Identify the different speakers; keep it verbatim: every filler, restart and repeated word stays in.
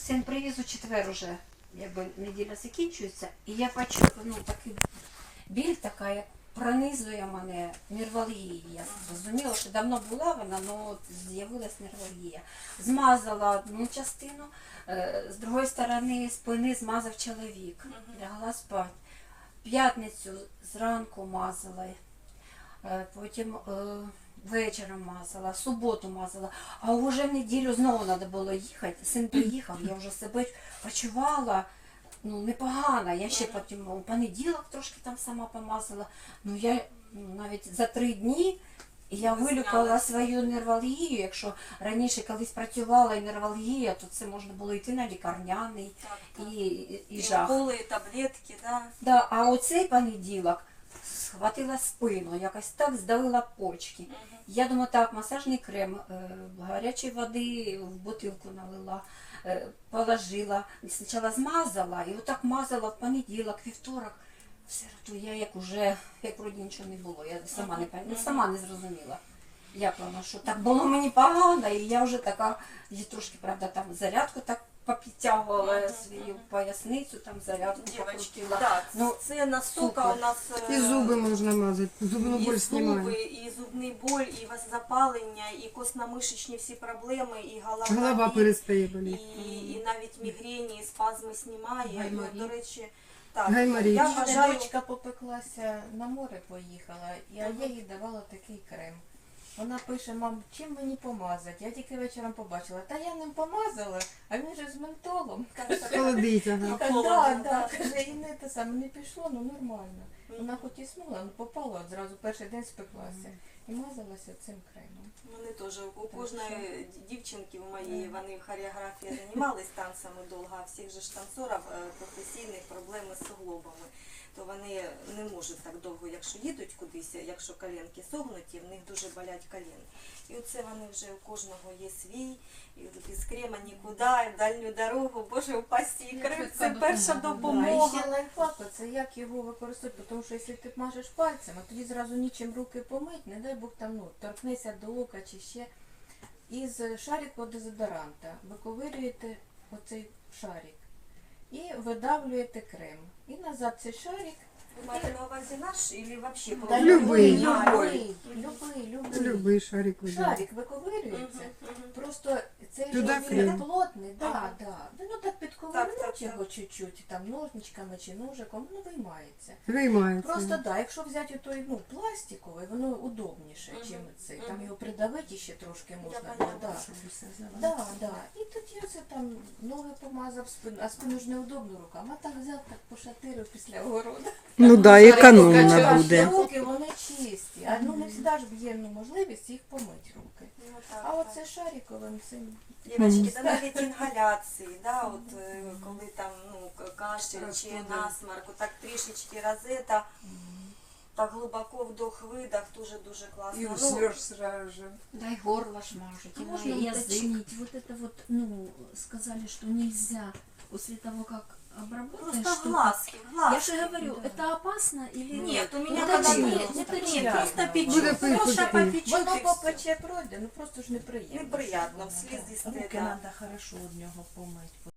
Speaker 1: син привіз у четвер уже, якби неділя закінчується, і я бачу, ну, такий біль така, як пронизує мене нервалгія. Я зрозуміла, що давно була вона, але з'явилась нервалгія. Змазала одну частину, з другої сторони спини змазав чоловік. Лягла спати. П'ятницю зранку мазала, потім вечором мазала, суботу мазала, а вже в неділю знову треба було їхати. Син приїхав, я вже себе почувала, ну, непогано. Я ще потім у понеділок трошки там сама помазала. Ну, я ну, навіть за три дні я вилікувала свою нервалгію. Якщо раніше колись працювала і нервалгія, то це можна було йти на лікарняний
Speaker 2: так, так.
Speaker 1: і, і, і
Speaker 2: І
Speaker 1: жах.
Speaker 2: були таблетки, да.
Speaker 1: Да, а оцей понеділок схватила спину, якось так здавила почки.
Speaker 2: Угу.
Speaker 1: Я думаю, так, масажний крем, гарячої води в бутилку налила, положила, спочатку змазала, і отак мазала в понеділок, вівторок. Все одно я як уже, як вроді нічого не було, я сама не, uh-huh. сама не зрозуміла, як воно, що так було мені погано, і я вже така, я трошки, правда, там зарядку так попідтягувала uh-huh. свою поясницю, там зарядку покрутила.
Speaker 2: Так,
Speaker 1: ну,
Speaker 2: це настільки у нас...
Speaker 3: І зуби можна мазати, зубну боль
Speaker 2: і
Speaker 3: знімає.
Speaker 2: зуби, і зубний боль, і запалення, і костно-мишечні всі проблеми, і голова,
Speaker 3: Голова
Speaker 2: і,
Speaker 3: перестає
Speaker 2: і,
Speaker 3: боліти.
Speaker 2: і навіть мігрені, і спазми знімає.
Speaker 1: Гайморій.
Speaker 2: І, до речі, так,
Speaker 3: Гайморій.
Speaker 2: я
Speaker 4: У мене
Speaker 2: вважаю...
Speaker 4: дочка попеклася, на море поїхала, і а я їй давала такий крем. Вона пише: мам, чим мені помазати? Я тільки вечором побачила. Та я ним помазала, а він же з ментолом.
Speaker 3: Холодить, ага.
Speaker 4: Каже,
Speaker 2: Холодно,
Speaker 4: да, да,
Speaker 2: так.
Speaker 4: каже, і не те саме, не пішло, ну нормально. Вона хоч і смула, але попала, от зразу перший день спеклася. І мазалася цим кремом.
Speaker 2: Вони теж, у кожної дівчинки у моєї, вони в хореографії займались танцями довго, а всіх же ж танцорів професійних проблеми з суглобами. То вони не можуть так довго, якщо їдуть кудись, якщо коленки согнуті, в них дуже болять коліни. І оце вони вже у кожного є свій, і без крема нікуди, і в дальню дорогу, боже, упасти, і крем – це перша
Speaker 4: А
Speaker 2: допомога.
Speaker 4: ще лайфхак, це як його використовувати, тому що якщо ти мажеш пальцем, а тоді зразу нічим руки помить, не дай Бог там, ну, торкнися до ока чи ще. Із шарику дезодоранта виковирюєте оцей шарик і видавлюєте крем. І назад цей шарик.
Speaker 2: Ви маєте на увазі наш, або взагалі?
Speaker 4: Та
Speaker 3: Любий.
Speaker 4: любий, любий, любий.
Speaker 3: Любий шарик видає.
Speaker 4: Шарик виковирюється. Просто цей
Speaker 3: Туди
Speaker 4: ж він
Speaker 3: крем.
Speaker 4: плотний, да,
Speaker 2: Ага.
Speaker 4: да. Ну так
Speaker 2: Так,
Speaker 4: підковирнуть
Speaker 2: так,
Speaker 4: його чуть-чуть, там ножничками чи ножиком, ну виймається.
Speaker 3: Виймається.
Speaker 4: Просто да, якщо взяти той, ну, пластиковий, воно удобніше,
Speaker 2: Мгм.
Speaker 4: чим цей. Там
Speaker 2: Мгм.
Speaker 4: його придавити ще трошки можна.
Speaker 2: Я
Speaker 4: було,
Speaker 2: поняла,
Speaker 4: да.
Speaker 2: що
Speaker 4: Да, да. І тоді оце там ноги помазав, спину, а спину ж неудобно руками. А так взяв, так пошатирив після огороду.
Speaker 3: Ну да, економно
Speaker 4: Качав,
Speaker 3: буде.
Speaker 4: руки вони чисті, а ну не завжди ж є ну, можливість їх помити руки.
Speaker 2: Ну, так,
Speaker 4: А
Speaker 2: так.
Speaker 4: оце шариковим цим.
Speaker 2: Дівчатки, да навіть інгаляції, да, от, е, коли там ну, к- кашель чи насморк, так трішечки розета, так глибоко вдох-видох, дуже-дуже класно.
Speaker 5: И
Speaker 2: Ну,
Speaker 5: уснешь сразу же.
Speaker 1: Дай горло шмажуть, и
Speaker 6: Можно
Speaker 1: на язык.
Speaker 6: уточнить? Вот это вот, ну, сказали, что нельзя после того, как обработаешь
Speaker 2: просто в
Speaker 6: что-то.
Speaker 2: глазки, в
Speaker 6: Я
Speaker 2: глазки.
Speaker 6: же говорю, это опасно или
Speaker 2: Нет, у меня
Speaker 6: Это
Speaker 2: когда
Speaker 6: нет,
Speaker 2: нет,
Speaker 6: это
Speaker 2: нет,
Speaker 6: нет.
Speaker 2: просто
Speaker 4: Буде
Speaker 2: печет,
Speaker 3: пить,
Speaker 2: просто
Speaker 3: буде пить.
Speaker 2: попечет
Speaker 4: Воно
Speaker 2: и все.
Speaker 4: попече пройде, ну просто ж неприємно.
Speaker 2: Неприятно,
Speaker 4: що воно,
Speaker 2: вслізисте,
Speaker 4: да.
Speaker 5: Руки
Speaker 2: да.
Speaker 5: надо хорошо от него помыть.